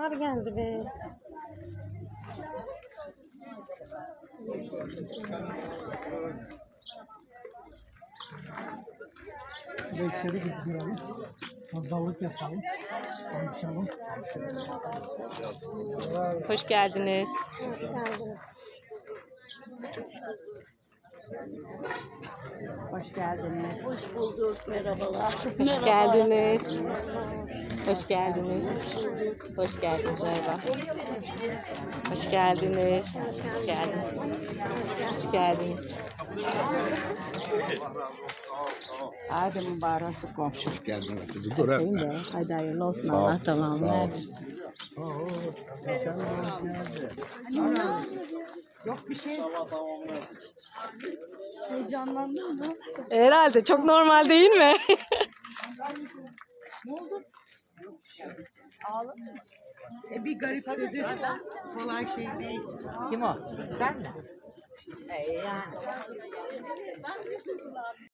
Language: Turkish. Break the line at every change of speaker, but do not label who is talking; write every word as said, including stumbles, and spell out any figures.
bahar geldi be.
Ve içeri gidiyorum. Pazarlık yapalım. Konuşalım.
Hoş geldiniz.
Hoş geldiniz.
Hoş geldiniz. Hoş bulduk. Merhabalar.
Hoş geldiniz. Hoş geldiniz. Hoş geldiniz Erba. Hoş geldiniz. Hoş geldiniz. Hoş geldiniz.
Hadi mübarek komşu.
Geldin kızı dur
Değil mi? Hadi hayırlı olsun. Allah tamamını erdirsin.
Yok bir şey. Heyecanlandın mı?
Herhalde çok normal değil mi?
E bir garipsedi. Kolay şey değil.
Kim o? Ben mi? Ee, yani.